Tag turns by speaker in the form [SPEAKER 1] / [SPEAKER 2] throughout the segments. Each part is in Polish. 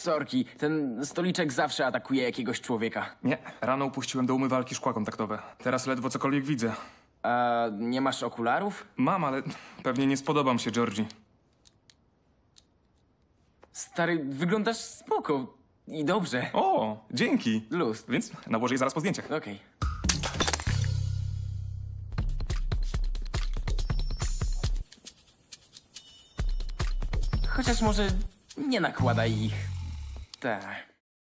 [SPEAKER 1] Sorki, ten stoliczek zawsze atakuje jakiegoś człowieka.
[SPEAKER 2] Nie, rano upuściłem do umywalki szkła kontaktowe. Teraz ledwo cokolwiek widzę.
[SPEAKER 1] A nie masz okularów?
[SPEAKER 2] Mam, ale pewnie nie spodobam się Georgie.
[SPEAKER 1] Stary, wyglądasz spoko i dobrze.
[SPEAKER 2] O, dzięki.
[SPEAKER 1] Luz.
[SPEAKER 2] Więc nałożę je zaraz po zdjęciach.
[SPEAKER 1] Okej. Chociaż może nie nakładaj ich. Tak.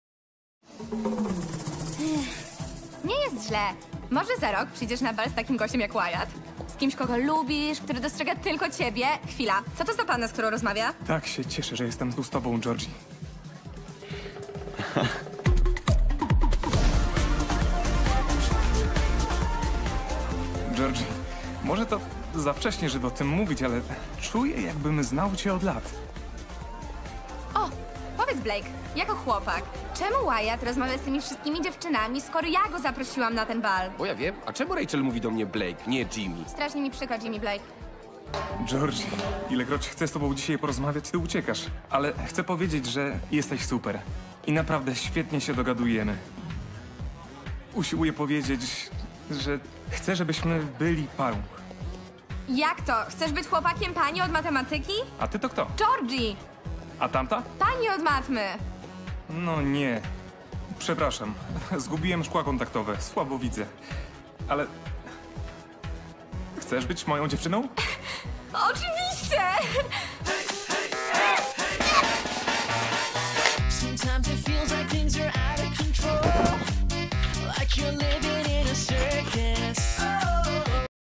[SPEAKER 3] Nie jest źle. Może za rok przyjdziesz na bal z takim gościem jak Wyatt. Z kimś, kogo lubisz, który dostrzega tylko ciebie. Chwila, co to za panna, z którą rozmawia?
[SPEAKER 2] Tak się cieszę, że jestem tu z tobą, Georgie. Georgie, może to za wcześnie, żeby o tym mówić, ale czuję, jakbym znał cię od lat.
[SPEAKER 3] O, powiedz Blake, jako chłopak, czemu Wyatt rozmawia z tymi wszystkimi dziewczynami, skoro ja go zaprosiłam na ten bal?
[SPEAKER 4] Bo ja wiem, a czemu Rachel mówi do mnie Blake, nie Jimmy?
[SPEAKER 3] Strasznie mi przykro, Jimmy Blake.
[SPEAKER 2] Georgie, ilekroć chcę z tobą dzisiaj porozmawiać, ty uciekasz. Ale chcę powiedzieć, że jesteś super. I naprawdę świetnie się dogadujemy. Usiłuję powiedzieć, że chcę, żebyśmy byli parą.
[SPEAKER 3] Jak to? Chcesz być chłopakiem pani od matematyki?
[SPEAKER 2] A ty to kto?
[SPEAKER 3] Georgie!
[SPEAKER 2] A tamta?
[SPEAKER 3] Pani od matmy!
[SPEAKER 2] No nie. Przepraszam. Zgubiłem szkła kontaktowe. Słabo widzę. Ale... Chcesz być moją dziewczyną?
[SPEAKER 3] Oczywiście!
[SPEAKER 5] Sometimes it feels like things are out of control. Like you're living